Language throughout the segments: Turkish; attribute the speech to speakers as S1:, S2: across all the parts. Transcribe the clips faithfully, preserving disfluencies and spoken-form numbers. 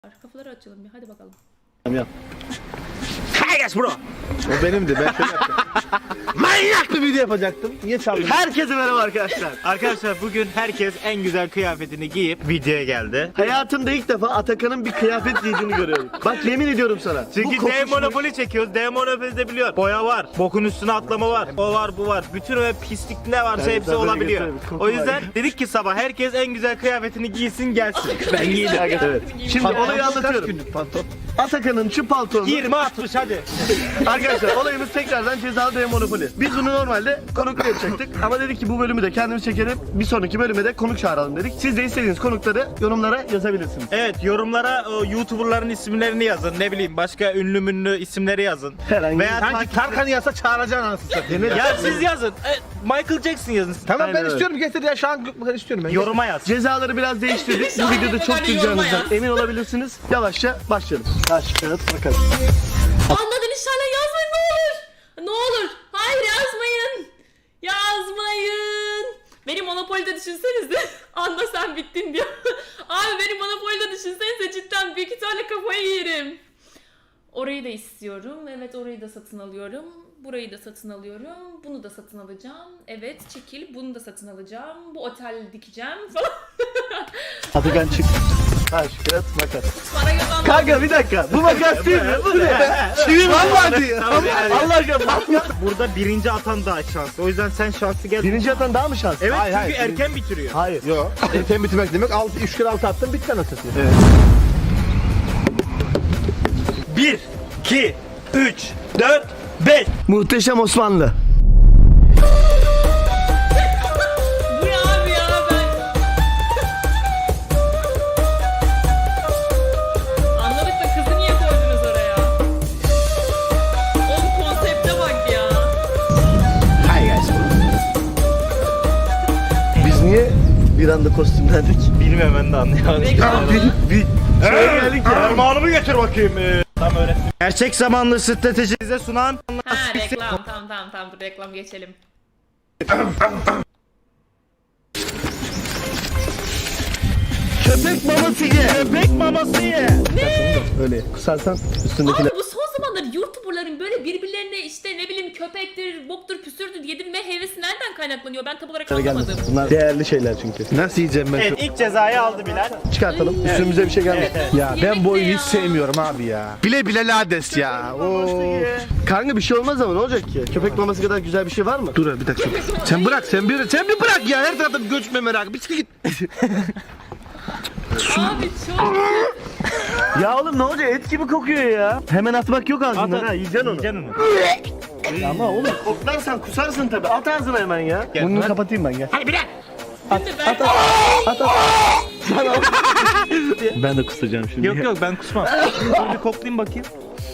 S1: Kafaları açalım bir, hadi bakalım.
S2: Yap.
S3: Hey bro.
S2: O benimdi, ben şöyle yaptım. Manyak bir video yapacaktım. Niye çaldın?
S3: Herkese merhaba arkadaşlar. Arkadaşlar bugün herkes en güzel kıyafetini giyip videoya geldi.
S2: Hayatımda ilk defa Atakan'ın bir kıyafet giydiğini görüyorum. Bak yemin ediyorum sana.
S3: Çünkü
S2: Bu
S3: D
S2: kokuşmuş-
S3: Monopoly çekiyoruz. D Monopoly'de biliyor. Boya var. Bokun üstüne atlama var. O var, bu var. Bütün o pislik ne varsa
S2: Evet,
S3: hepsi
S2: tabii,
S3: olabiliyor.
S2: tabii, koku
S3: O yüzden
S2: var.
S3: dedik ki sabah herkes en güzel kıyafetini giysin gelsin. Ben giydim.
S2: Evet. Şimdi
S1: Pantolon
S2: olayı anlatıyorum. Atakan'ın şu paltonu.
S3: yirmi altmış hadi.
S2: Arkadaşlar olayımız tekrardan cezalı D Monopoly. Biz bunu normalde konukla yapacaktık ama dedik ki bu bölümü de kendimiz çekelim. Bir sonraki bölüme de konuk çağıralım dedik. Siz de istediğiniz konukları yorumlara yazabilirsiniz.
S3: Evet, yorumlara o YouTuber'ların isimlerini yazın. Ne bileyim, başka ünlü münlü isimleri yazın.
S2: Herhangi
S3: Veya
S2: Sanki
S3: takip-
S4: Tarkan'ı yazsa çağıracaksın anasını satayım.
S3: Ya siz yazın. E, Michael Jackson yazın.
S4: Tamam
S2: Aynen
S4: ben
S2: öyle.
S4: istiyorum getir ya şu an ben istiyorum ben.
S3: Yoruma yaz.
S2: Cezaları biraz değiştirdik. Bu videoda çok
S1: Hadi yoruma
S2: güleceğinizden
S1: yaz.
S2: emin olabilirsiniz. Yavaşça başlayalım. Taş, kağıt, makas.
S1: Anladın inşallah, yazmayın ne olur. Ne olur. Hayır, yazmayın. Yazmayın. Beni Monopoly'de düşünsenize. Anla sen bittin diyor. Abi beni Monopoly'de düşünsenize, cidden büyük ihtimalle kafayı yerim. Orayı da istiyorum. Evet, orayı da satın alıyorum. Burayı da satın alıyorum. Bunu da satın alacağım. Evet, çekil. Bunu da satın alacağım. Bu otel dikeceğim falan.
S2: Atakan çık. Taş, kağıt, makas.
S1: Para kazanmak.
S2: Kanka bir dakika. Bu makas değil mi? Bu ne? Çivi mi vardı?
S3: Tamam, yani.
S2: Allah aşkına.
S3: Burada birinci atan daha şanslı. O yüzden sen şanslı gel.
S2: Birinci atan daha mı şanslı?
S3: Evet,
S4: Hayır,
S3: çünkü
S4: hayır,
S3: erken bitiriyor.
S2: Hayır.
S4: Yok. Erken bitirmek demek altı üç kere altı attın bitti anasını satayım.
S2: Evet.
S3: bir, iki, üç, dört, beş.
S2: Muhteşem Osmanlı.
S1: Bu ne abi ya, ben... Anladık da kızı niye koydunuz oraya? Oğlum konsepte bak ya.
S2: Biz niye bir anda kostümlendik?
S3: Bilmiyorum, ben de anlayamadım.
S1: Reklam.
S2: Bir şeye geldik ya.
S3: Parmağını getir bakayım. Ee, Tam öğrettim. Gerçek zamanlı strateji size sunan
S1: Ha, reklam. Tamam tamam tamam, dur reklam geçelim.
S2: Köpek maması ye.
S3: köpek maması ye.
S2: Öyle kusarsan üstündekiler.
S1: Abi bu son zamanlarda YouTuber'ların böyle birbirlerine işte ne bileyim köpektir, boktur, püsürdür yedirme hevesi nereden kaynaklanıyor? Ben tam olarak anlamadım.
S2: gelmesin. Bunlar değerli şeyler çünkü.
S4: Nasıl yiyeceğim ben?
S3: Evet, ilk cezayı aldı Bilal.
S2: Çıkartalım. Üstümüze bir şey gelmesin.
S3: Evet,
S4: Ya ben
S1: Yemek
S4: bu
S1: ne
S4: oyunu
S1: ya?
S4: hiç sevmiyorum abi ya. Bile bile lades ya. Oo.
S2: Kanka bir şey olmaz ama ne olacak ki? Köpek maması kadar güzel bir şey var mı?
S4: Dur bir dakika. Sen bırak sen bir sen bir bırak ya. Her tarafta bir göçme merakı. Bir çık git.
S1: Abi çok...
S2: Ya oğlum ne olacak? Et gibi kokuyor ya. Hemen atmak yok ağzından
S3: At,
S2: ha. Yiyeceksin onu.
S3: Yiyeceksin onu.
S2: Ama oğlum koklarsan kusarsın tabii. At ağzına hemen ya.
S3: Gel,
S2: Bunu
S3: bırak.
S2: kapatayım ben gel.
S1: Şimdi ben...
S2: Ben de kusacağım şimdi.
S3: Yok yok, ben kusmam. Dur bir koklayayım bakayım.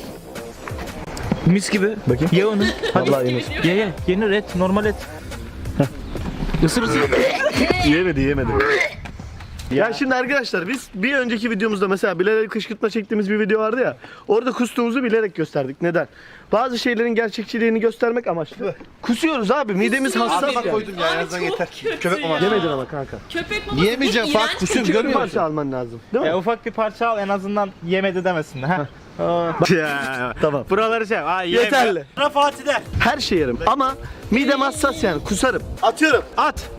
S3: Mis gibi.
S2: Bakayım.
S3: Ye onu. Hadi.
S2: Vallahi yemez.
S3: Ye ye. Yenir et. Normal et. Isır ısır.
S2: Yemedi yemedi. Ya şimdi arkadaşlar biz bir önceki videomuzda mesela bilerek kışkırtma çektiğimiz bir video vardı ya. Orada kustuğumuzu bilerek gösterdik. Neden? Bazı şeylerin gerçekçiliğini göstermek amaçlı. Kusuyoruz abi. Midemiz hassas.
S1: Abi,
S2: ya.
S4: koydum ya,
S1: Abi
S4: yazdan
S1: çok
S4: yeter.
S1: kötü
S4: Köpek
S1: ya.
S4: maması.
S2: Yemedin ama kanka.
S1: Köpek maması
S4: Yiyemeyeceğim,
S1: bir
S4: Fuat,
S1: iğrenç
S4: kusuyorum,
S1: bir
S4: görmüyor
S2: Bir
S1: köpek.
S2: parça alman lazım. Değil mi?
S3: Ya ufak bir parça al, en azından yemedi demesin de. Ha. Ya.
S2: Tamam.
S3: Buraları şey. Ha, yeme.
S2: Yeterli.
S3: Sıra Fatih'de.
S2: Her şey yerim ama midem hassas yani kusarım. Atıyorum.
S3: At.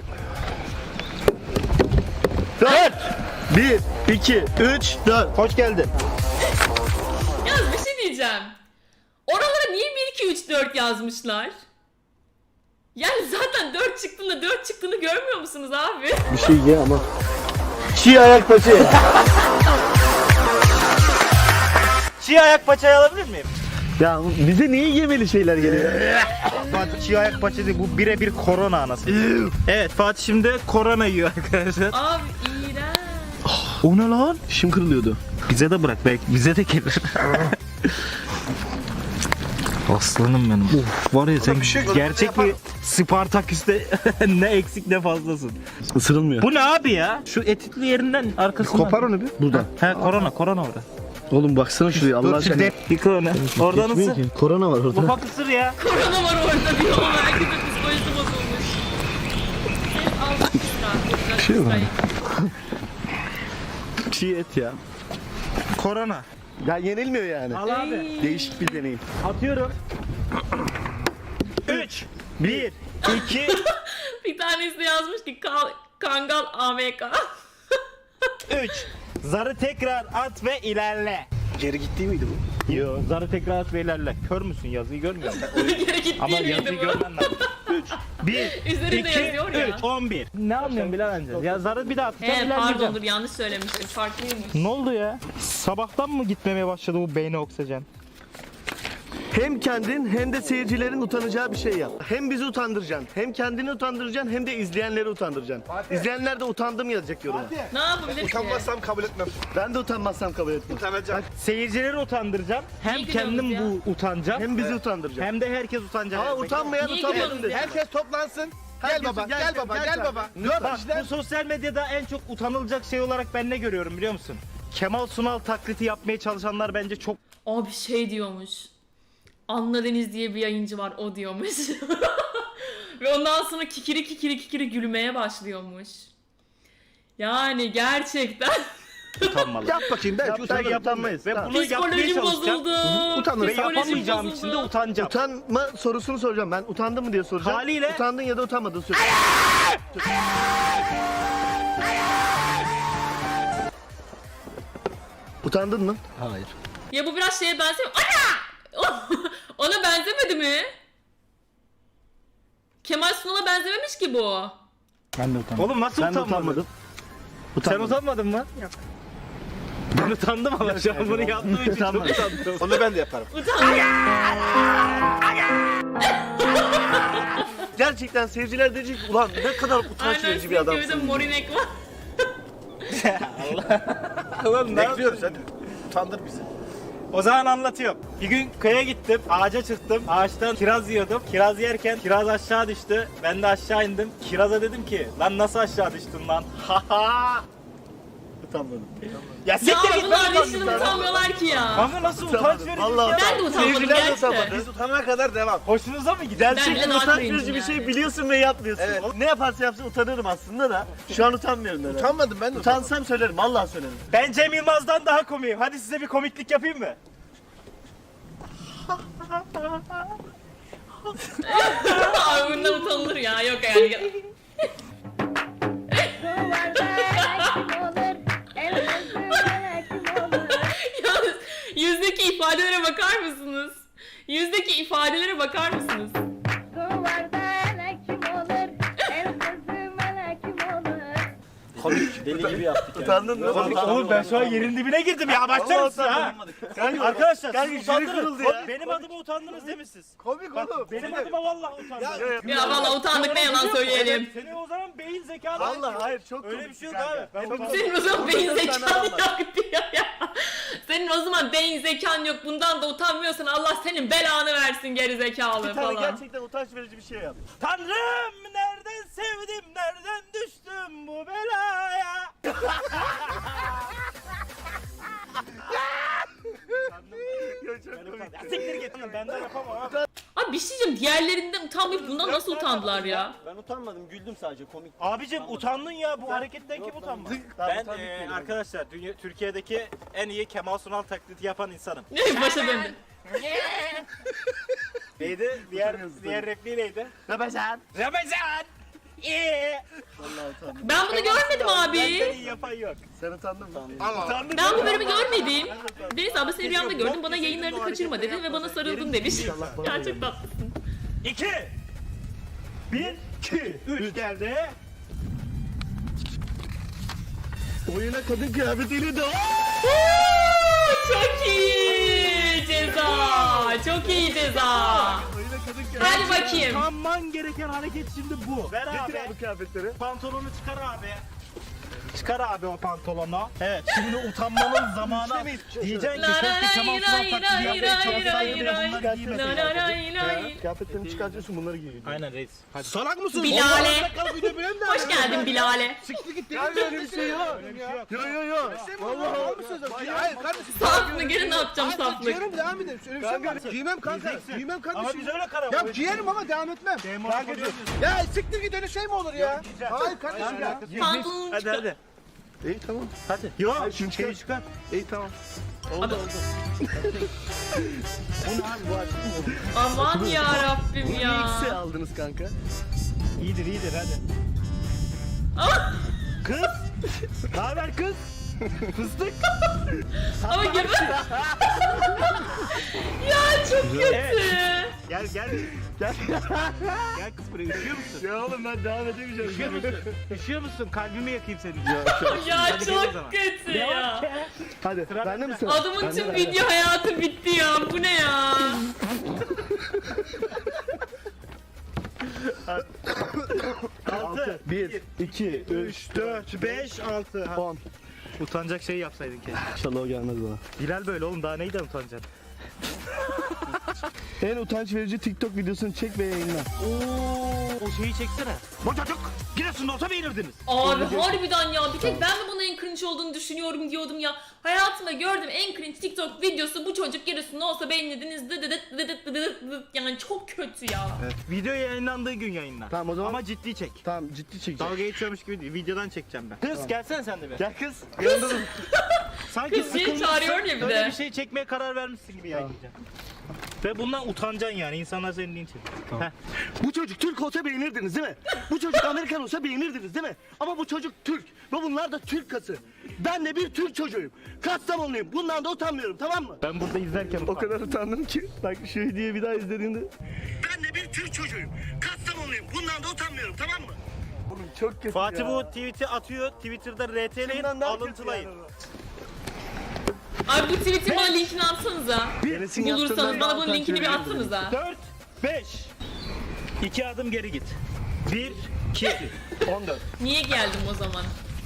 S2: Dört. Bir, iki, üç, dört.
S3: Hoş geldin.
S1: Yalnız bir şey diyeceğim. Oralara niye bir, iki, üç, dört yazmışlar? Yani zaten dört çıktığında dört çıktığını görmüyor musunuz abi?
S2: Bir şey ye ama. Çiğ ayak paça ye.
S3: Çiğ ayak paçayı alabilir miyim?
S2: Ya bize niye yemeli şeyler geliyor?
S3: Fatih çiğ ayak paça değil, bu birebir korona anası. Evet, Fatih şimdi korona yiyor arkadaşlar.
S1: Abi iğrenç.
S3: O ne lan?
S2: Dişim kırılıyordu.
S3: Bize de bırak, belki bize de gelir. Aslanım benim. Of, var ya sen
S4: şey
S3: gerçek bir Spartaküs'te ne eksik ne fazlasın.
S2: Isırılmıyor.
S3: Bu ne abi ya? Şu etitli yerinden arkasından.
S4: Kopar onu bir.
S2: Buradan.
S3: He, korona, korona orada.
S2: Oğlum baksana şuraya Allah aşkına.
S3: Yıkıl onu. Oradan
S2: Geçmiyor
S3: ısır.
S2: ki. Korona var orada.
S3: Ufak ısır ya.
S1: Korona var orada diyor ama herkesin psikolojisi bozulmuş. Sen al bak İsra.
S2: Bir şey mi var? Çiğ et ya.
S3: Korona.
S2: Ya yenilmiyor yani.
S3: Al abi.
S2: Değişik bir deneyim.
S3: Atıyorum. üç, bir, iki,
S1: Bir tanesi de yazmış ki Kal- Kangal A M K.
S3: üç. Zarı tekrar at ve ilerle.
S2: Geri gitti miydi bu?
S3: Yo, zarı tekrar at ve ilerle. Kör müsün? Yazıyı görmüyor musun?
S1: Geri gitti
S3: Ama
S1: miydi
S3: yazıyı
S1: bu?
S3: görmen lazım. üç, bir,
S1: Üzerinde
S3: iki,
S1: yazıyor ya.
S3: üç, on bir. Ne anlıyorsun Bilal amca? Ya zarı bir daha atacağım,
S1: He
S3: ilerleyeceğim.
S1: pardon dur yanlış söylemiştim. Farklıymış.
S3: Ne oldu ya? Sabahtan mı gitmemeye başladı bu beyne oksijen?
S2: Hem kendin hem de seyircilerin utanacağı bir şey yap. Hem bizi utandıracaksın, hem kendini utandıracaksın, hem de izleyenleri utandıracaksın. İzleyenler de utandım yazacak yoruma.
S1: Ne yapabilir ki?
S4: Utanmazsam kabul etmem.
S2: Ben de utanmazsam kabul etmem.
S4: Utanacağım.
S3: Seyircileri utandıracağım. Hem
S1: Niye
S3: kendim
S1: gülüyorsunuz
S3: bu utanacağım.
S2: Hem bizi utandıracaksın.
S3: Hem de herkes utanacak.
S2: Aa utanmayan
S1: Niye
S2: utanmasın
S1: gülüyorsunuz
S2: dedi.
S1: ya?
S4: Herkes toplansın. Gel
S2: Herkes-
S4: baba,
S2: gel,
S4: gel,
S2: gel,
S4: baba,
S2: gel
S4: gel,
S2: sen.
S4: baba.
S3: Bak bu sosyal medyada en çok utanılacak şey olarak ben ne görüyorum biliyor musun? Kemal Sunal taklidi yapmaya çalışanlar bence çok
S1: Abi şey diyormuş. Anla Deniz diye bir yayıncı var o diyormuş. Ve ondan sonra kikiri kikiri kikiri gülmeye başlıyormuş. Yani gerçekten
S3: utanmalı.
S4: Yap bakayım belki
S2: Yap,
S4: utanırım.
S2: yap, utanmayız.
S3: Ve
S2: Tamam.
S3: bunu yapmaya
S1: psikolojim
S3: çalışacağım.
S1: bozuldu.
S2: Utanırım.
S3: Ve
S1: Psikolojim
S3: yapamayacağım
S1: bozuldu.
S3: için de utanacağım.
S2: Utanma sorusunu soracağım ben. Utandın mı diye soracağım.
S3: Haliyle-
S2: Utandın ya da utanmadın söyle. Utandın mı? Hayır.
S1: Ya bu biraz şeye benzemiyor. Ana! Ona benzemedi mi? Kemal Sunal'a benzememiş ki bu.
S2: Ben de utanmadım.
S3: Oğlum nasıl
S2: Ben de
S3: utanmadın?
S2: utanmadım.
S3: Sen
S2: Utanmadım.
S3: utanmadın mı? Ben utandım ama şu an bunu yaptığım için çok
S2: Utanmadım.
S3: utandım.
S4: Onu ben de yaparım.
S2: Gerçekten seyirciler diyecek ki, ulan ne kadar utanç
S1: Aynen
S2: verici bir
S1: sizin köyde
S2: adamsın.
S1: morinek var.
S3: Ulan ne
S4: Bekliyoruz hadi. Utandır bizi.
S3: O zaman anlatıyorum. Bir gün köye gittim, ağaca çıktım. Ağaçtan kiraz yiyordum. Kiraz yerken kiraz aşağı düştü. Ben de aşağı indim. Kiraza dedim ki, lan nasıl aşağı düştün lan? Haha.
S2: Utanmadım.
S3: Ya
S1: Ya
S3: siktir git
S1: bunlar
S3: lan
S1: ne
S3: utandım
S1: işini
S3: ben.
S1: utanmıyorlar ki ya.
S3: Kanka nasıl utanç
S2: Utanmadım.
S3: verici
S2: Vallahi
S3: bir şey?
S1: Ben de utanmadım
S2: Seyirciler de
S1: gerçekten.
S2: utanmadı.
S4: Biz utanana kadar devam.
S3: Hoşunuza mı gider?
S1: Ben bile
S2: Gerçekten
S1: daha
S2: utanç
S1: cringe'im
S2: verici bir şey
S1: yani.
S2: biliyorsun ve yapmıyorsun.
S4: Evet.
S2: Ne yaparsa yapsın utanırım aslında da. Şu an utanmıyorum da.
S4: Utanmadım ben de utanmadım.
S2: Utansam söylerim. Allah söylerim.
S3: Ben Cem Yılmaz'dan daha komiyim. Hadi size bir komiklik yapayım mı?
S1: Abi bundan utanılır ya. Yok yani. Yalnız yüzdeki ifadelere bakar mısınız? Yüzdeki ifadelere bakar mısınız?
S3: Komik. Deli gibi yaptık
S2: Utandın mı?
S3: Oğlum ben şu an yerin dibine girdim ya. Başlar mısın ha?
S2: Kanka,
S3: Arkadaşlar
S2: kanka,
S3: siz
S2: jüri kuruldu
S3: utandınız.
S2: ya.
S3: Benim adıma utandınız demişsiniz.
S4: Komik
S3: Bak,
S4: oğlum.
S3: benim adıma vallahi utandınız.
S1: Ya vallahi utandık ne yalan söyleyelim.
S3: Senin o zaman beyin zekalı.
S2: Vallahi hayır çok
S3: Öyle bir
S2: komikti
S3: şey yok
S2: kanka.
S3: abi. Ben
S2: Çok
S3: utandım.
S1: Senin o zaman beyin
S2: Dokuz tane
S1: zekan
S2: adam var.
S1: yok diyor ya. Senin o zaman beyin zekan yok. Bundan da utanmıyorsan Allah senin belanı versin geri zekalı
S2: Bir tane
S1: falan.
S2: gerçekten utanç verici bir şey yap.
S3: Tanrım nereden sevdim, nereden düştüm bu belaya?
S2: Ya çok komik.
S3: Ya siktir git. Ben de yapamam abi.
S1: Abi bir şey diyeceğim. Diğerlerinden utanmayıp bundan nasıl utandılar ya?
S2: Ben utanmadım, güldüm sadece komik.
S3: Abicim utandın ya, bu hareketten kim utanmaz? Ben
S2: utandık
S3: eee,
S2: diyelim.
S3: arkadaşlar dünya, Türkiye'deki en iyi Kemal Sunal taklidi yapan insanım.
S1: Başa döndü.
S3: Neydi? Diğer diğer repliği neydi?
S2: Ramazan.
S3: Ramazan! İyi.
S2: Vallahi utandım.
S1: Ben bunu görmedim
S3: Benden
S1: abi.
S3: iyi yapan yok.
S2: Sen utandın mı?
S3: Utandın
S1: Ben
S3: mı?
S1: bu bölümü görmedim. Deniz abla seni rüyamda gördüm. Bana yayınlarını kaçırma dedi ve bana sarıldın demiş. Gerçek tatlısın.
S3: İki. Bir, iki, üç geldi.
S2: Oyuna kadın kıyafetiyle de.
S1: Çok iyi ceza. Çok iyi ceza.
S2: Oyuna kadın
S1: Hadi bakayım.
S3: Utanman gereken hareket şimdi bu. Ver
S2: Getir
S3: abi.
S2: abi kıyafetleri.
S3: Pantolonu çıkar abi. Çıkar abi o pantolonu. Evet şimdi utanmanın zamanı. Diyeceksin ki
S1: La la
S3: keşke Kemal
S1: lay
S3: Sunal
S1: lay
S3: taklidi
S1: lay
S3: yapmaya
S1: lay
S3: çalışsaydı
S1: lay
S3: diye bunları
S1: lay.
S3: giymeseydi.
S1: La la lay lay.
S2: Kıyafetlerini çıkartıyorsun bunları giyiyorsun.
S3: Aynen reis. Hadi.
S4: Salak mısın?
S1: Bilale.
S4: Bilale.
S1: Hoş geldin Bilale.
S4: Siktir git.
S2: Ya öyle bir şey yok.
S3: Öyle bir şey yok.
S2: Yo yo yo.
S4: Vallahi olmuşsunuz. Hayır kardeşim.
S1: Saf mı? Geri ne yapacağım
S4: Hayır, ben
S1: saflık?
S4: giyerim devam edelim. Öyle bir şey
S2: Kanka,
S4: var. Giymem kanka.
S3: Giyeceksin.
S4: Giymem
S3: Ama
S4: kardeşim.
S3: biz öyle karar
S4: Ya
S3: verdik.
S4: giyerim ama devam etmem.
S3: Kankacığım.
S4: Ya siktir git öyle şey mi olur ya? Hayır kardeşim ya.
S1: Pantolonunu
S3: Hadi
S1: çıkar.
S3: hadi.
S2: İyi tamam.
S3: Hadi. Yok.
S2: Hayır, şunu çıkar.
S3: çıkar.
S2: İyi tamam. Oldu
S1: Abi-
S2: oldu. Bu ne abi bu açık mı?
S1: Aman ya Rabbim
S2: Bunu
S1: ya.
S2: ne ikisi aldınız kanka?
S3: İyidir iyidir hadi.
S1: Ah,
S3: Kız. Ne haber kız? Fıstık.
S1: ama gibi. Ya çok kötü.
S3: Gel gel.
S2: Gel.
S3: Gel kız buraya. Üşüyor musun?
S2: Ya oğlum ben devam edemeyeceğim.
S3: Üşüyor musun? Üşüyor musun? Kalbimi yakayım senin.
S1: Ya
S3: Hadi gel o
S1: çok
S3: zaman.
S1: kötü ya.
S2: Hadi.
S3: Sıra
S2: Bende mi
S3: bende.
S2: sıra?
S1: Adamın
S2: Bende,
S1: tüm
S2: bende.
S1: video hayatı bitti ya. Bu ne ya?
S3: Altı.
S2: Bir, iki, üç,
S3: üç, dört, beş, altı. Ha.
S2: on.
S3: Utanacak şey yapsaydın keşke.
S2: İnşallah o gelmez bana.
S3: Bilal böyle oğlum daha neyden utanacaksın?
S2: En utanç verici TikTok videosunu çek ve yayınla.
S3: Oo, o şeyi çeksene. Bu çocuk Giresun'da olsa beğenirdiniz.
S1: Abi harbiden ya. Bir tek ben mi bunun en cringe olduğunu düşünüyorum diyordum ya. Hayatımda gördüğüm en cringe TikTok videosu bu çocuk Giresun'da olsa beğenirdiniz. Dıdıdıt dıdıdıt dıdıdıt. Yani çok kötü ya.
S3: Video yayınlandığı gün yayınla.
S2: Tamam, o zaman-
S3: Ama ciddi çek.
S2: Tamam ciddi çekeceğim.
S3: Dalga geçiyormuş gibi değil. Videodan çekeceğim ben. Kız gelsene sen de bir.
S2: Gel kız.
S3: Sanki
S1: Kız niye
S3: sıkılmışsın,
S1: çağırıyor ya bir
S3: öyle
S1: de?
S3: bir şey çekmeye karar vermişsin gibi yayınlayacaksın. Ve bundan utanacaksın yani. İnsanlar senin linç ediyor. Heh.
S2: Bu çocuk Türk olsa beğenirdiniz değil mi? Bu çocuk Amerikan olsa beğenirdiniz değil mi? Ama bu çocuk Türk ve bunlar da Türk kası. Ben de bir Türk çocuğuyum. Kastamonluyum. Bundan da utanmıyorum tamam mı?
S3: Ben burada izlerken
S2: O kadar utandım ki. Bak şu videoyu bir daha izlediğimde. Ben de bir Türk çocuğuyum. Kastamonluyum. Bundan da utanmıyorum tamam mı? Oğlum çok kötü
S3: Fatih
S2: ya.
S3: bu tweet'i atıyor. Twitter'da R T'leyin,
S2: Bundan daha kötü
S3: alıntılayın.
S2: yani.
S1: Abi bu tweet'in bana linkini atsanıza.
S2: Yenisini
S1: Bulursanız
S2: yaptığımdan
S1: bana
S2: daha
S1: bunun linkini bir
S2: utanç
S1: atsanıza.
S3: dört, beş. iki adım geri git. bir, iki.
S2: on dört.
S1: Niye geldim o zaman?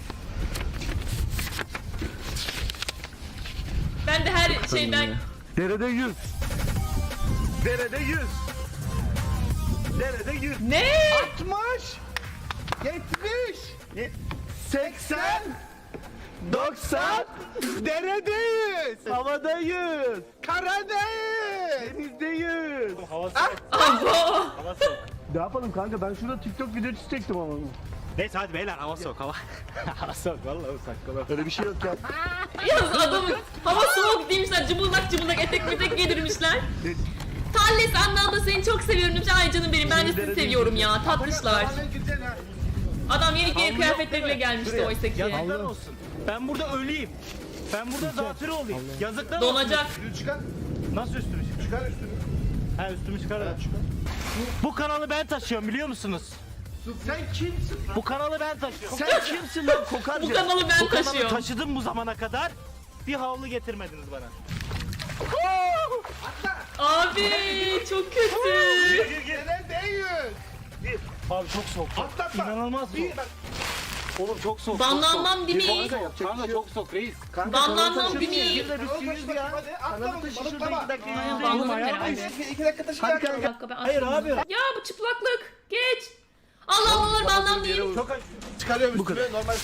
S1: Ben de her şeyden...
S2: Derede yüz. Derede yüz. Derede yüz.
S1: Ne?
S2: altmış. yetmiş. seksen. doksan. Derede yüz. Havada yüz. Karada yüz. Denizde yüz.
S3: Hava soğuk.
S1: Abo.
S3: Hava soğuk.
S2: Ne yapalım kanka ben şurada TikTok videosu çektim ama.
S3: Neyse hadi beyler hava soğuk hava. Hava soğuk vallahi saklı.
S2: Öyle bir şey yok ya.
S1: Yalnız adamın hava soğuk demişler, cıbıldak cıbıldak etek metek giydirmişler. Talles Anna abla seni çok seviyorum demiş. Ay canım benim ben de sizi seviyorum ya tatlışlar. Adam yeni yeni kıyafetleriyle gelmişti oysa ki.
S3: Yazıklar olsun. Ben burada öleyim. Ben burada zatürre olayım. Yazıklar olsun.
S1: Donacak.
S3: Nasıl üstümü çıkar? Çıkar üstümü. Ha üstümü çıkar. Bu kanalı ben taşıyorum biliyor musunuz?
S2: Sen kimsin?
S3: Bu kanalı ben taşıyorum.
S2: Sen kimsin lan kokarca?
S1: Bu kanalı ben
S3: Bu kanalı
S1: taşıyorum.
S3: taşıdım bu zamana kadar. Bir havlu getirmediniz bana.
S1: Abi çok kötü.
S3: Abi çok soğuk. İnanılmaz soğuk. Oğlum çok soğuk.
S1: Banlanmam değil mi?
S3: Kanka çok soğuk reis.
S1: Banlanmam değil mi?
S2: Bir de bir suyuz ya. Kanalı taşı şurada iki dakika yüzde.
S1: Banlanırım
S3: ayağı
S1: herhalde.
S2: İki dakika taşı.
S1: Bir dakika ben
S3: Hayır
S1: açayım.
S3: abi.
S1: Ya bu çıplaklık. Geç. Allah Allah bandan değil.
S3: Çok acı.
S2: Çıkarıyorum üstüme normal.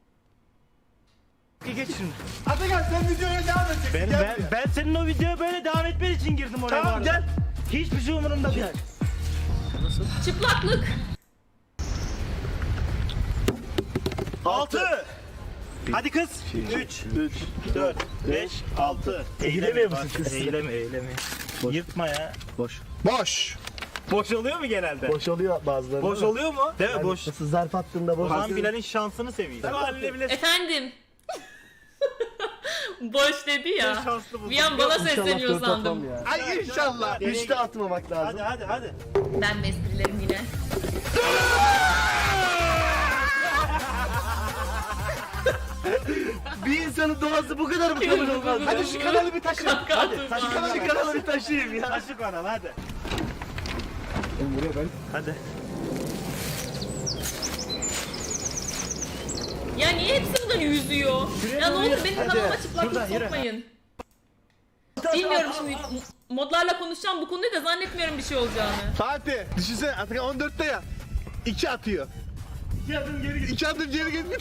S3: Geç şimdi.
S2: Atakan sen videoya devam edeceksin.
S3: Ben, ben, ben senin o videoya böyle devam etmen için girdim oraya.
S2: Tamam
S3: bu arada.
S2: gel.
S3: Hiçbir şey umurumda değil.
S1: Çıplaklık.
S3: Altı. Hadi kız. Üç,
S2: üç,
S3: dört, beş, altı.
S2: Eğilemiyor musun kız?
S3: Eğileme, eğileme. Yırtma ya.
S2: Boş.
S4: Boş.
S3: Boş oluyor mu genelde?
S2: Boş oluyor bazıları.
S3: Boş oluyor mu? Değil mi? Boş.
S2: Nasıl zarf attığında boş.
S3: O zaman Bilal'in şansını seveyim. Şu haline bile
S1: Efendim. Boş dedi ya.
S3: şanslı buldum.
S1: Bir an bana
S2: İnşallah
S1: sesleniyor
S2: dört atmam
S1: sandım.
S2: ya.
S4: Ay inşallah.
S2: Üçte atmamak lazım.
S3: Hadi hadi hadi.
S1: Ben mesprilerim yine.
S2: Bir insanın doğası bu kadar mı kabul olmaz? Hadi şu kanalı bir taşı.
S1: Kanka
S2: Hadi
S1: atın
S2: taşı
S1: bana.
S2: kanalı, şu kanalı bir taşıyayım ya.
S3: Taşı kanal hadi. Hadi.
S1: Ya niye hepsi buradan yüzüyor? Ya ne olur benim kanalıma çıplaklık
S3: Şuradan yürü.
S1: sokmayın. Bilmiyorum şimdi modlarla konuşacağım bu konuyu da zannetmiyorum bir şey olacağını.
S4: Fatih düşünsene Atakan on dörtte ya. iki atıyor.
S2: İki adım geri git.
S4: İki adım geri git.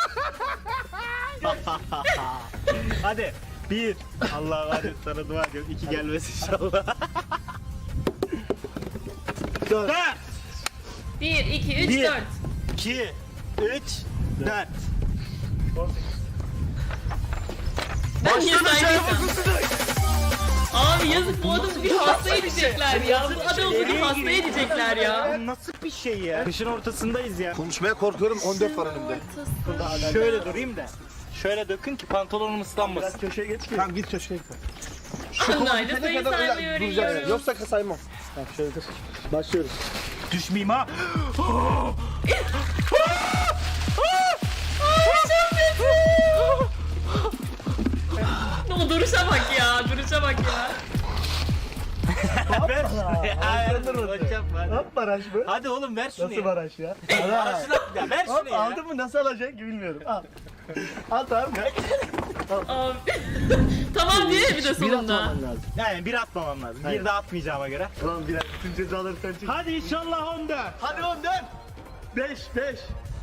S3: Hadi. Bir. Allah var ya sana dua ediyorum. İki gelmesin inşallah. Dört.
S1: bir, iki, üç,
S3: Bir.
S1: dört.
S3: İki. Üç. Dört.
S1: Ben niye
S2: Baştan aşağıya
S1: saydıysam.
S2: basın.
S1: Abi yazık bu adamı bir hasta edecekler ya. Bu adamı bir
S3: Nereye
S1: hasta
S3: giriyor?
S1: edecekler ya.
S3: Bu nasıl bir şey ya? Kışın ortasındayız ya.
S4: Konuşmaya korkuyorum on dört var önümde.
S3: Şöyle durayım da. Şöyle dökün ki pantolonum ıslanmasın.
S2: Biraz köşeye geç ki.
S4: Tamam git köşeye git.
S1: Anlayla sayı saymayı
S4: duracaksın.
S1: öğreniyoruz.
S4: Yoksa saymam.
S2: Tamam şöyle dur. Başlıyoruz.
S3: Düşmeyeyim ha.
S1: O duruşa bak ya, duruşa bak ya.
S3: Ver. Hayır dur hocam ver.
S2: Hop baraj mı?
S3: Hadi oğlum ver şunu.
S2: Nasıl
S3: ya.
S2: baraj ya?
S3: Parasını ya ver
S2: Hop
S3: şunu ya.
S2: aldın mı nasıl alacak bilmiyorum. Al. Al tamam.
S1: Abi. Tamam diye bir de
S2: Bir
S1: sonunda.
S2: atmaman lazım.
S3: Yani bir atmamam lazım.
S2: Hayır.
S3: Bir de atmayacağıma göre.
S2: Ulan bir bütün cezaları sen çek.
S3: Hadi inşallah onda.
S2: Hadi on dön. Beş beş.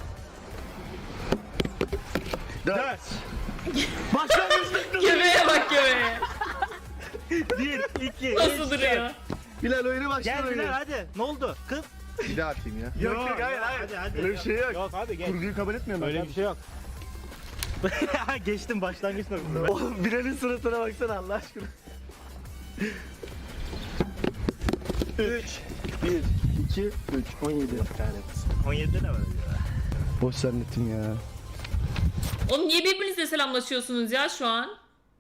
S3: Dört.
S2: Başlangıçlık.
S1: Göbeğe bak göbeğe.
S3: Bir, iki,
S1: Nasıl
S3: üç,
S1: duruyor?
S3: dört.
S2: Bilal oyunu başla
S3: Gel
S2: oyunu.
S3: Bilal hadi. Ne oldu? Kız.
S4: Bir daha atayım ya.
S2: Yok yok hayır hayır.
S3: Hadi hadi.
S2: Öyle bir şey yok.
S3: Yok abi gel.
S2: Kurguyu kabul etmiyorum
S3: Öyle
S2: ben.
S3: bir şey yok. Geçtim başlangıç noktasına.
S2: Oğlum Bilal'in suratına baksana Allah aşkına.
S3: Üç.
S2: bir, iki, üç, on yedi.
S3: on yedide ne var ya?
S2: Boş zannettim ya.
S1: Oğlum niye birbirinizle selamlaşıyorsunuz ya şu an?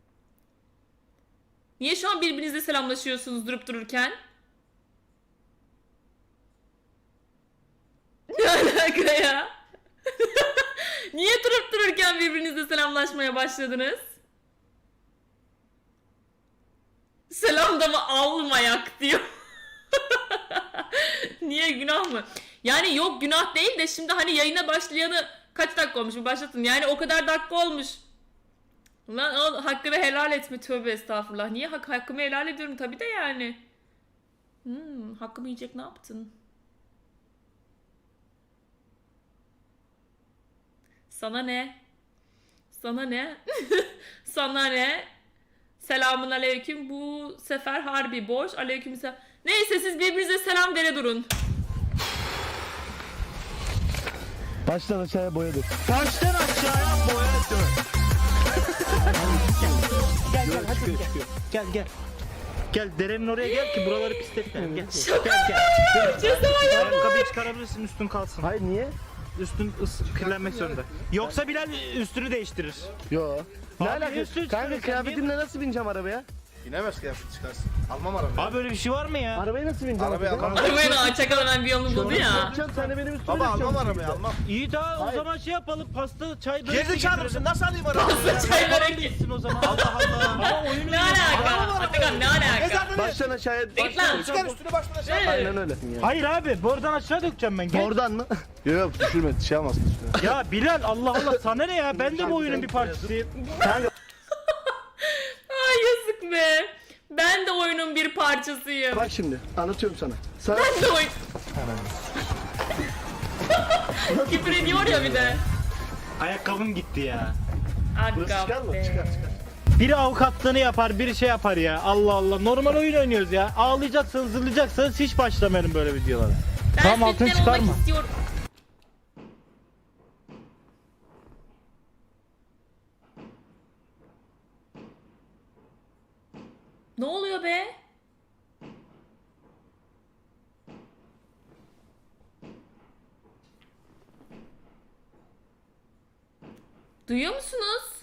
S1: Niye şu an birbirinizle selamlaşıyorsunuz durup dururken? Ne alaka ya? Niye durup dururken birbirinizle selamlaşmaya başladınız? Selam da mı almayak diyor. Niye günah mı? Yani yok günah değil de şimdi hani yayına başlayanı kaç dakika olmuş bir başlatın. Yani o kadar dakika olmuş. Lan o hakkını helal etme tövbe estağfurullah. Niye hak, hakkımı helal ediyorum tabii de yani. Hmm, hakkımı yiyecek ne yaptın? Sana ne? Sana ne? Sana ne? Selamun aleyküm. Bu sefer harbi boş. Aleyküm selam. Neyse siz birbirinize selam vere durun.
S2: Baştan aşağıya boyadık.
S3: Baştan aşağıya boyadım. Gel gel hadi gel. Gel gel. Gel derenin oraya gel ki buraları pisletme. Gel gel gel. gel.
S1: Ceza yapma.
S3: Ayakkabıyı çıkarabilirsin üstün kalsın.
S2: Hayır niye?
S3: Üstün ıs kirlenmek zorunda. Yoksa Bilal üstünü değiştirir.
S2: Yo. Ne
S3: Abi
S2: alakası?
S3: üstüne
S2: Kanka
S3: çıkarırsan
S2: kıyafetimle nasıl bineceğim arabaya?
S4: İnemez kıyafet çıkarsın. Almam arabayı.
S3: Abi böyle bir şey var mı ya?
S2: Arabaya nasıl bineceğim?
S4: Arabaya
S2: arabaya?
S4: almam.
S1: Arabayı da çakal hemen bir yolunu buldu ya.
S2: Yapacağım, sen de benim üstüme
S4: Baba almam
S2: düşeceksin.
S4: arabayı almam.
S3: İyi daha o
S2: Hayır.
S3: zaman şey yapalım pasta çay börek
S4: Gerizekalı mısın? Nasıl alayım arabayı?
S1: Çaylara
S3: Gitsin o zaman. Allah Allah. Ama oyunu
S1: Ne alaka? Atakan ne alaka?
S2: Baştan aşağıya.
S1: Git lan.
S4: Çıkar üstüne başına şey.
S2: Aynen öyle.
S3: Hayır abi buradan aşağı dökeceğim ben. Gel.
S2: Oradan mı?
S4: Yok yok düşürme şey yapmasın üstüne.
S3: Ya Bilal Allah Allah sana ne ya? Ben de bu oyunun bir parçasıyım.
S1: Ay yazık be. Ben de oyunun bir parçasıyım.
S2: Bak şimdi anlatıyorum sana. Sana
S1: Ben de oyun... Küfür ediyor ya bir de.
S3: Ayakkabım gitti ya.
S2: Burası çıkar
S1: Aga
S2: mı?
S1: be.
S2: Çıkar çıkar.
S3: Biri avukatlığını yapar, biri şey yapar ya. Allah Allah. Normal oyun oynuyoruz ya. Ağlayacaksanız, zırlayacaksanız hiç başlamayalım böyle videolara.
S1: Ben
S3: Tamam, altını
S1: sizden olmak
S3: çıkarma.
S1: istiyorum. Ne oluyor be? Duyuyor musunuz?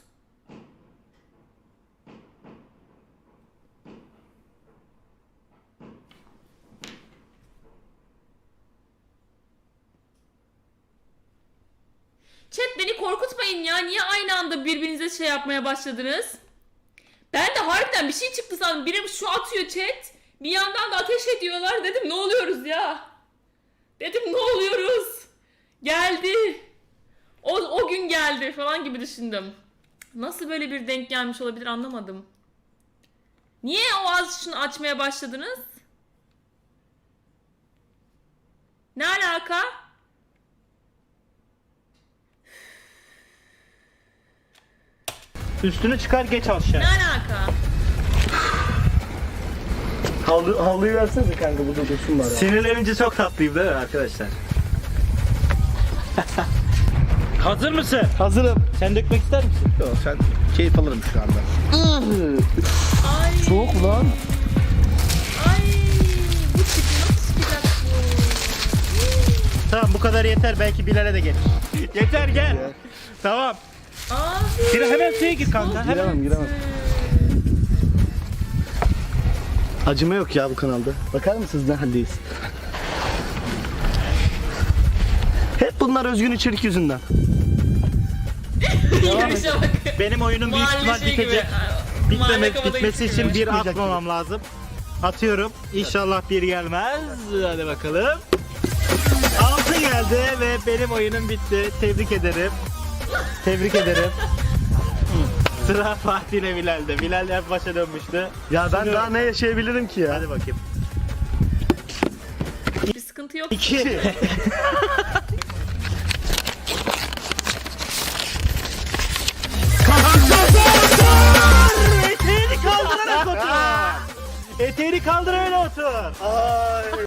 S1: Chat beni korkutmayın ya. Niye aynı anda birbirinize şey yapmaya başladınız? Ben de harbiden bir şey çıktı sandım. Biri şu atıyor chat. Bir yandan da ateş ediyorlar. Dedim ne oluyoruz ya? Dedim ne oluyoruz? Geldi. O, o gün geldi falan gibi düşündüm. Nasıl böyle bir denk gelmiş olabilir anlamadım. Niye o az şunu açmaya başladınız? Ne alaka?
S3: Üstünü çıkar geç aşağı.
S1: Ne alaka?
S2: Havlu, havluyu versene kanka burada dursun bari.
S3: Sinirlenince çok tatlıyım değil mi arkadaşlar? Hazır mısın?
S2: Hazırım.
S3: Sen dökmek ister misin?
S4: Yok sen keyif alırım şu anda.
S1: Ay.
S2: Soğuk lan.
S1: Ay. Bu tip nasıl çıkacak bu?
S3: Tamam bu kadar yeter, belki Bilal'e de gelir. Yeter gel. Tamam.
S1: Abi.
S3: Bir hemen suya gir kanka. Hemen.
S2: Giremem giremem. Acıma yok ya bu kanalda. Bakar mısınız ne haldeyiz? Hep bunlar Özgün içerik yüzünden.
S1: Yarışa bak.
S3: Benim oyunum büyük
S1: Mahalle
S3: ihtimal
S1: şey gibi.
S3: bitecek.
S1: Mahalle
S3: Bitmemek,
S1: kafada
S3: bitmesi
S1: gibi.
S3: için bir
S2: Çıkmayacak
S3: atmamam lazım. Atıyorum. İnşallah bir gelmez. Hadi bakalım. Altı geldi ve benim oyunum bitti. Tebrik ederim. Tebrik ederim. Sıra Fatih ile Bilal'de. Bilal hep başa dönmüştü.
S2: Ya ben
S3: Sunuyorum.
S2: daha ne yaşayabilirim ki ya?
S3: Hadi bakayım.
S1: Bir sıkıntı yok.
S3: İki. Eteğini kaldırarak otur. Eteğini kaldır öyle otur.
S2: Ay.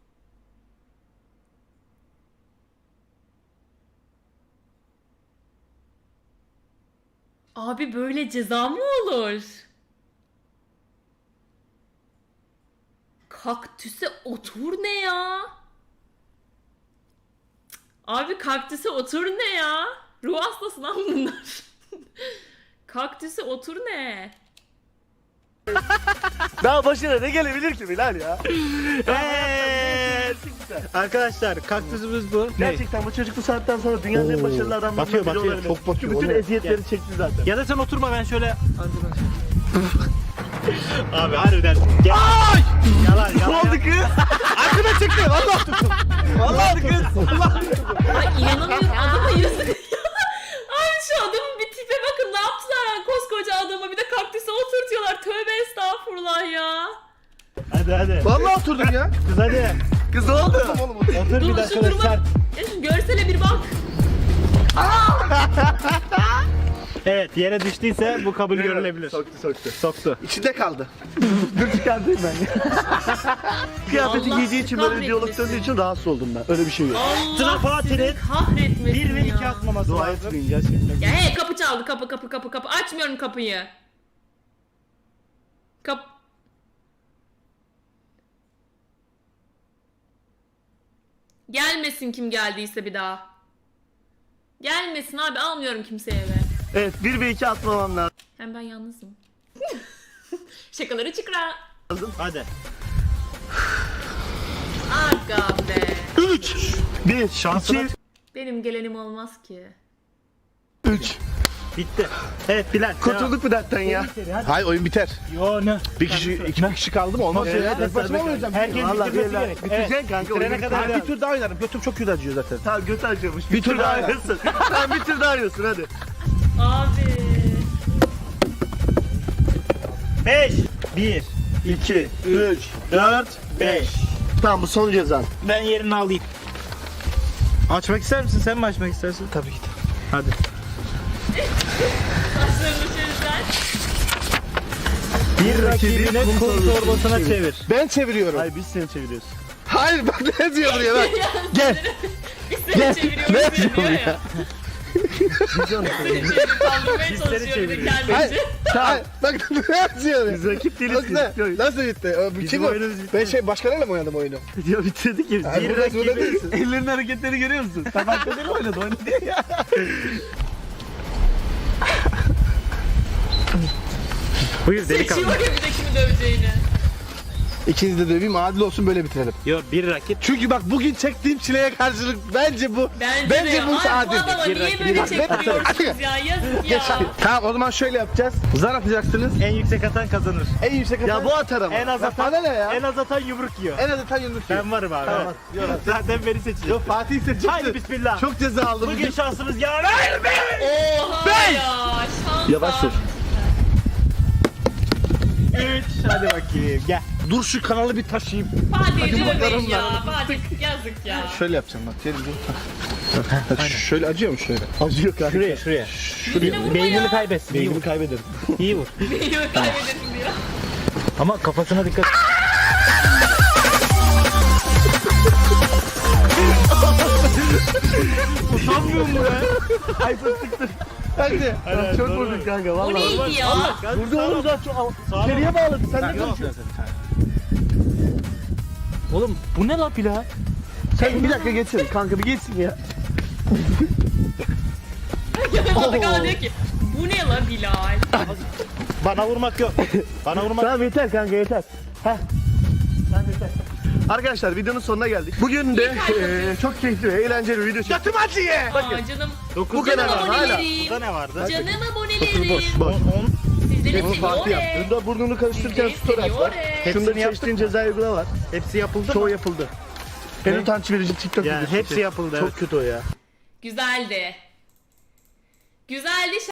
S1: Abi böyle ceza mı olur? Kaktüse otur ne ya? Abi kaktüse otur ne ya? Ruh hastası lan bunlar. Kaktüse otur ne?
S2: Daha başına ne gelebilir ki Bilal ya?
S3: Evet. Arkadaşlar kaktüsümüz bu. Ne?
S2: Gerçekten bu çocuk bu saatten sonra dünyanın en
S3: Oo.
S2: başarılı adamlarından
S3: Batıyor,
S2: biri
S3: batıyor.
S2: olabilir.
S3: Çok batıyor,
S2: Bütün
S3: o ne?
S2: eziyetleri çekti zaten.
S3: Ya da sen oturma, ben şöyle Abi harbiden gel.
S2: Ay!
S3: Yalan
S2: Ne
S3: yalan.
S2: oldu kız? Aklına çıktı. Vallahi tuttum. Vallahi kız. Vallahi.
S1: Ay inanamıyorum adama yazık. Abi şu adamın bir tipe bakın ne yaptılar lan koskoca adama bir de kaktüse oturtuyorlar. Tövbe estağfurullah ya.
S3: Hadi hadi.
S4: Vallahi oturdum ya.
S3: Kız hadi.
S2: Kız ne oldu?
S3: Otur bir
S1: Dur
S3: dakika
S1: şu
S3: da
S1: duruma.
S3: sert.
S1: Ya şu görsele bir bak.
S3: Evet, yere düştüyse bu kabul görülebilir.
S2: Soktu soktu.
S3: Soktu.
S4: İçinde kaldı.
S2: Dur çıkardayım ben ya. Kıyafeti
S1: Allah
S2: giydiği için böyle
S1: kahretmesin.
S2: diyalog döndüğü için rahatsız oldum ben. Öyle bir şey yok.
S3: Sıra
S1: Allah
S3: Fatih'in
S1: sizi kahretmesin
S3: bir ve
S1: ya.
S3: iki atmaması
S2: Dua
S3: lazım.
S2: etmeyin gerçekten.
S1: Ya hey kapı çaldı kapı kapı kapı kapı. Açmıyorum kapıyı. Kap... Gelmesin kim geldiyse bir daha. Gelmesin abi almıyorum kimseye eve.
S2: Evet bir ve iki atmamam lazım.
S1: Hem ben yalnızım. Şakaları çıkra.
S3: Hadi.
S1: Aga be.
S2: üç. bir.
S3: Şansına-
S2: iki.
S1: Benim gelenim olmaz ki.
S2: üç.
S3: Bitti. Evet Bilal.
S2: Kurtulduk bu dertten ya.
S4: Hayır oyun biter.
S3: Yo ne?
S4: Bir kişi, iki kişi kaldı mı olmaz
S2: Evet,
S4: ya.
S2: evet,
S4: Tek başıma
S2: evet.
S4: oynayacağım.
S3: Herkes
S2: Vallahi
S3: bitirmesi
S2: billahi.
S3: gerek.
S2: Bitireceksin
S3: Evet.
S2: kanka.
S3: Bitirene
S2: oyunu.
S3: kadar
S4: Ha,
S3: devam.
S4: bir tur daha oynarım. Götüm çok kötü acıyor zaten.
S2: Tamam göt acıyormuş.
S4: Bir tur daha
S2: arıyorsun. Tamam bir tur daha arıyorsun hadi.
S1: Abi.
S3: beş. bir.
S2: iki, üç,
S3: dört. beş.
S2: Tamam bu son cezan.
S3: Ben yerini alayım. Açmak ister misin? Sen mi açmak istersin? Tabii ki de. Hadi.
S1: Saçlarını çevirsen.
S3: Bir rakibine
S2: kum
S3: kum
S2: torbasına
S3: torbasına
S2: çevir.
S3: çevir.
S4: Ben çeviriyorum.
S2: Hayır biz seni çeviriyoruz.
S4: Hayır bak ne yazıyor buraya bak. Gel.
S1: Biz seni çeviriyoruz
S4: ne
S1: diyor
S4: yapıyorum
S1: ya.
S4: ya?
S2: Biz onu
S1: Seni çevirip kaldırmaya
S3: Biz seni
S1: çalışıyor bir de
S3: çeviriyoruz.
S4: Hayır.
S1: kendince.
S4: Hayır. Bak ne yazıyor?
S2: Biz rakip değiliz
S4: Bak
S2: ki.
S4: ne?
S2: Yok.
S4: Nasıl bitti? Ee,
S2: Bizim
S4: Kim o?
S2: oyunumuz bitti.
S4: Ben şey başkalarıyla mı oynadım oyunu?
S2: Ya bitirdik ya.
S4: Hayır,
S2: Bir
S4: burada burada
S2: rakibi.
S4: değilsin.
S2: Ellerinin hareketleri görüyor musun? Sen başka değil mi oynadın? Oynadı ya.
S3: Buyur delikanlı.
S1: Seçiyor ya bir de kimi döveceğini.
S4: İkiniz de döveyim adil olsun böyle bitirelim.
S3: Yok bir rakip.
S4: Çünkü bak bugün çektiğim çileye karşılık bence bu
S1: Bence,
S4: bence
S1: de ya.
S4: bu
S1: Ay,
S4: adil.
S1: bu adama
S3: Bir
S1: niye
S3: rakip,
S1: böyle
S3: bir rakip.
S1: çektiriyorsunuz ya? Yazık ya.
S4: Tamam o zaman şöyle yapacağız. Zar atacaksınız.
S3: En yüksek atan kazanır.
S4: En yüksek atan.
S2: Ya bu atar ama.
S3: En az
S4: Ya
S3: atan,
S4: bana ne ya?
S3: en az atan yumruk yiyor.
S4: En az atan yumruk yiyor.
S3: Ben varım abi.
S4: Tamam.
S3: evet. Zaten beni seçecek.
S4: Yok Fatih seçecekti.
S3: Haydi bismillah.
S4: Çok ceza aldım.
S3: Bugün şansımız yaver. Hayır be!
S1: Oha ya. Şans
S2: Yavaş dur.
S3: üç. Hadi bakayım gel.
S4: Dur şu kanalı bir taşıyayım.
S1: Fatih dövmeyin
S4: bakalım
S1: ya.
S4: lan.
S1: Fatih yazık ya.
S4: Şöyle yapacağım bak. Gelin dur. Şöyle acıyor mu şöyle?
S2: Acıyor kanka.
S3: Şuraya şuraya.
S1: Dibine vurma
S3: Beynini
S1: ya.
S3: kaybetsin. İyi
S2: Beynimi
S3: vur.
S2: kaybederim.
S3: İyi vur.
S1: Beynimi kaybederim diyor.
S3: Ama kafasına dikkat. Utanmıyor mu ya?
S2: Ay fıstıktır. Hadi.
S3: Hadi,
S2: Çok
S3: dur,
S2: vurdun
S3: dur.
S2: kanka
S1: O
S2: vallahi.
S1: neydi ya?
S2: Vurdu oğlum zaten çok
S3: Sağ ol.
S2: içeriye bağladı. Sen ne
S3: Yok.
S2: konuşuyorsun?
S3: Oğlum bu ne la pila?
S2: Sen bir dakika geçsin kanka bir geçsin ya.
S1: Atakan diyor ki bu ne la Bilal?
S3: Bana vurmak yok. Bana vurmak
S2: Tamam yeter kanka yeter. Heh. Tamam yeter. Arkadaşlar videonun sonuna geldik. Bugün de eee, çok keyifli ve eğlenceli bir video çektik. Yatım acıya. Bakın.
S1: Aa canım.
S2: Bu
S1: Canım
S2: kadar hala.
S1: abonelerim.
S3: Burada ne vardı?
S1: Canım
S2: Boş
S1: abonelerim.
S2: boş.
S1: Sizleri
S2: Bunu farklı yap.
S1: seviyorum.
S2: Bunda burnunu karıştırırken
S1: Sizleri
S2: story at var.
S1: seviyorum.
S2: Şunda
S3: Hepsini
S2: çeşitliğin ceza uygula var.
S3: Hepsi yapıldı
S2: Çoğu
S3: mı?
S2: yapıldı. En
S3: Ne?
S2: utanç verici TikTok
S3: Yani
S2: videosu
S3: hepsi
S2: çek.
S3: yapıldı,
S2: Çok
S3: evet.
S2: kötü o ya.
S1: Güzeldi. Güzeldi.